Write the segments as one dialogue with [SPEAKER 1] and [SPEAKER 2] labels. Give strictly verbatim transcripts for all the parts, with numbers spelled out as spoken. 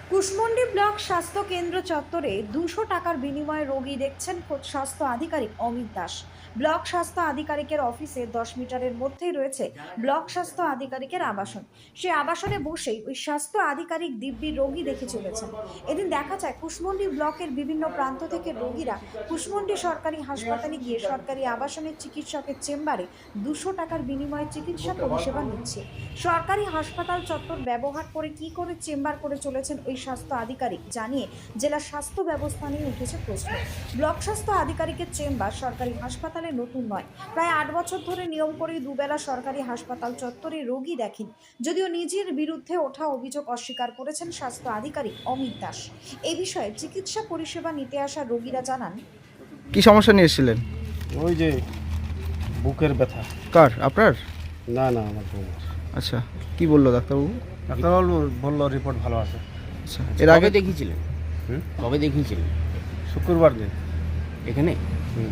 [SPEAKER 1] Kushmandi block স্বাস্থ্য কেন্দ্র চত্বরে দুশো টাকার বিনিময়ে রোগী দেখছেন খোদ স্বাস্থ্য আধিকারিক অমিত দাস। ব্লক স্বাস্থ্য আধিকারিকের অফিসে দশ মিটারের মধ্যেই রয়েছে ব্লক স্বাস্থ্য আধিকারিকের আবাসন। সেই আবাসনে বসেই ওই স্বাস্থ্য আধিকারিক দিব্যি রোগী দেখে চলেছেন। এদিন দেখা যায় কুশমন্ডি ব্লকের বিভিন্ন প্রান্ত থেকে রোগীরা কুশমন্ডি সরকারি হাসপাতালে গিয়ে সরকারি আবাসনের চিকিৎসকের চেম্বারে দুশো টাকার বিনিময়ে চিকিৎসা পরিষেবা নিচ্ছে। সরকারি হাসপাতাল চত্বর ব্যবহার করে কি করে চেম্বার করে চলেছেন ওই স্বাস্থ্য আধিকারিক জানিয়ে জেলা স্বাস্থ্য ব্যবস্থা নিয়ে উঠেছে প্রশ্ন। ব্লক স্বাস্থ্য আধিকারিকের চেম্বার সরকারি হাসপাতালে নতুন নয়, প্রায় আট বছর ধরে নিয়ম করেই দুবেলা সরকারি হাসপাতাল চত্বরে রোগী দেখেন। যদিও নিজের বিরুদ্ধে ওঠা অভিযোগ অস্বীকার করেছেন স্বাস্থ্য আধিকারিক অমিত দাস। এই বিষয়ে চিকিৎসা পরিষেবা নিতে আসা রোগীরা জানান,
[SPEAKER 2] কি সমস্যা নিয়ে এসেছিলেন?
[SPEAKER 3] ওই যে বুকের ব্যথা।
[SPEAKER 2] কার? আপনার?
[SPEAKER 3] না না আমার বৌমার।
[SPEAKER 2] আচ্ছা, কি বললো ডাক্তারবাবু?
[SPEAKER 3] ডাক্তারবাবু বললো রিপোর্ট ভালো আছে।
[SPEAKER 2] আচ্ছা, এর আগে
[SPEAKER 4] দেখিয়েছিলেন?
[SPEAKER 3] হুম
[SPEAKER 4] কবে দেখিয়েছিলেন?
[SPEAKER 3] শুক্রবার দিন।
[SPEAKER 4] এখানে
[SPEAKER 3] হুম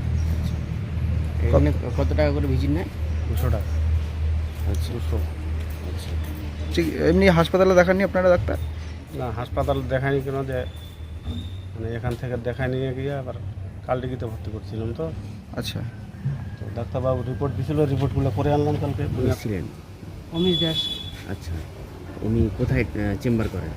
[SPEAKER 4] এখানে কত টাকা করে ভিজিট নেয়?
[SPEAKER 3] দুশো টাকা।
[SPEAKER 4] আচ্ছা
[SPEAKER 3] দুশো।
[SPEAKER 4] আচ্ছা
[SPEAKER 2] ঠিক এমনি হাসপাতালে দেখাননি আপনারা ডাক্তার?
[SPEAKER 3] না হাসপাতাল দেখায়নি কেন, যে মানে এখান থেকে দেখায় নিয়ে গিয়ে আবার কালডিগিতে ভর্তি করছিলাম তো।
[SPEAKER 2] আচ্ছা,
[SPEAKER 3] তো ডাক্তারবাবু রিপোর্ট দিছিল, রিপোর্টগুলো করে আনলাম কালকে।
[SPEAKER 4] ছিলেন?
[SPEAKER 5] অমিত দাস।
[SPEAKER 4] আচ্ছা, উনি কোথায় চেম্বার করেন?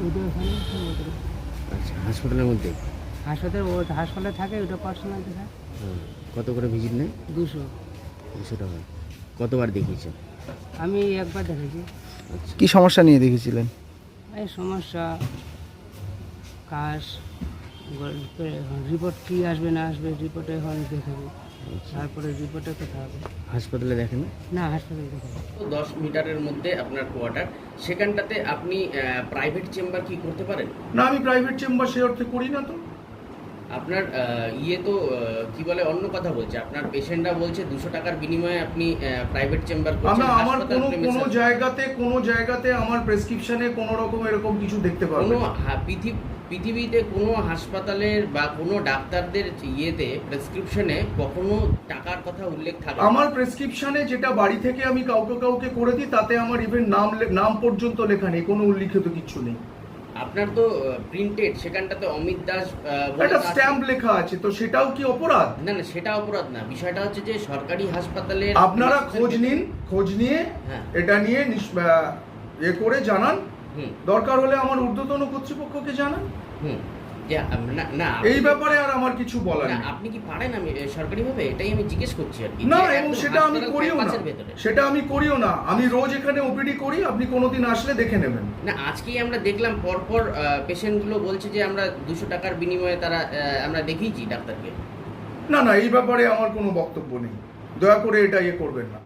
[SPEAKER 4] আচ্ছা, হাসপাতালের মধ্যে?
[SPEAKER 5] হাসপাতাল ও হাসপাতালে থাকে, ওটা পার্সোনাল দেখা।
[SPEAKER 4] হুম। কত করে ভিজিট নেয়?
[SPEAKER 5] দুশো।
[SPEAKER 4] দুশো টাকা। কতবার দেখিয়েছেন?
[SPEAKER 5] আমি একবার দেখেছি।
[SPEAKER 4] আচ্ছা,
[SPEAKER 2] কি সমস্যা নিয়ে দেখেছিলেন?
[SPEAKER 5] এই সমস্যা কাশ, রিপোর্ট কি আসবে না আসবে, রিপোর্টে এখন দেখাবো, তারপরে রিপোর্টে কথা হবে।
[SPEAKER 4] হাসপাতালে দেখেন না?
[SPEAKER 5] না হাসপাতালে দেখাবো।
[SPEAKER 6] দশ মিটারের মধ্যে আপনার কোয়ার্টার, সেখানটাতে আপনি প্রাইভেট চেম্বার কি করতে পারেন?
[SPEAKER 7] না, আমি প্রাইভেট চেম্বার সে অর্থে করি না। তো
[SPEAKER 6] আপনার আহ, ইয়ে তো আহ, কি বলে অন্য কথা বলছে, আপনার পেশেন্টরা বলছে দুশো টাকার বিনিময়ে আপনি প্রাইভেট চেম্বার করছেন।
[SPEAKER 7] আমরা আমার
[SPEAKER 6] হাসপাতাল
[SPEAKER 7] কোনো
[SPEAKER 6] premises-
[SPEAKER 7] কোনো জায়গাতে কোনো জায়গাতে আমার প্রেসক্রিপশনে কোনো রকম এরকম কিছু দেখতে পারবেন
[SPEAKER 6] কোনো
[SPEAKER 7] না।
[SPEAKER 6] হা- পৃথিবী পৃথিবীতে কোনো হাসপাতালের বা কোনো ডাক্তারদের ইয়েতে প্রেসক্রিপশনে কখনো টাকার কথা উল্লেখ থাকে না।
[SPEAKER 7] আমার প্রেসক্রিপশনে যেটা বাড়ি থেকে আমি কাউকে কাউকে করে দিই, তাতে আমার ইভেন নাম লে- নাম পর্যন্ত লেখা নেই, কোনো উল্লিখিত কিছু নেই।
[SPEAKER 6] আপনার তো প্রিন্টেড, সেখানটাতে অমিত দাস আহ, বলে
[SPEAKER 7] একটা
[SPEAKER 6] তো আছে।
[SPEAKER 7] স্ট্যাম্প লেখা আছে, তো সেটাও কি অপরাধ?
[SPEAKER 6] না না, সেটা অপরাধ না। বিষয়টা হচ্ছে যে সরকারি হাসপাতালে
[SPEAKER 7] আপনারা খোঁজ নিন, খোঁজ নিয়ে
[SPEAKER 6] হ্যাঁ।
[SPEAKER 7] এটা নিয়ে নিস- আহ, এ করে জানান,
[SPEAKER 6] হুম
[SPEAKER 7] দরকার হলে আমার ঊর্ধ্বতন কর্তৃপক্ষকে জানান।
[SPEAKER 6] হুম যে আম, না না
[SPEAKER 7] এই
[SPEAKER 6] আপনি-
[SPEAKER 7] ব্যাপারে আর আমার কিছু বলার
[SPEAKER 6] না,
[SPEAKER 7] নেই।
[SPEAKER 6] আপনি কি পারেন? আমি এ, সরকারিভাবে এটাই আমি জিজ্ঞেস করছি আর কি।
[SPEAKER 7] না,
[SPEAKER 6] যে
[SPEAKER 7] এবং
[SPEAKER 6] একদম
[SPEAKER 7] সেটা আমি
[SPEAKER 6] হাসপাতাল
[SPEAKER 7] করিও না,
[SPEAKER 6] ক্যাম্পাসের ভেতরে।
[SPEAKER 7] সেটা আমি করিও না। আমি রোজ এখানে ওপিডি করি, আপনি কোনোদিন আসলে দেখে নেবেন।
[SPEAKER 6] না, আজকেই আমরা দেখলাম পরপর পেশেন্টগুলো বলছে যে আমরা দুশো টাকার বিনিময়ে তারা আহ, আমরা দেখিয়েছি ডাক্তারকে।
[SPEAKER 7] না না, এই ব্যাপারে আমার কোনো বক্তব্য নেই, দয়া করে এটা ইয়ে করবেন না।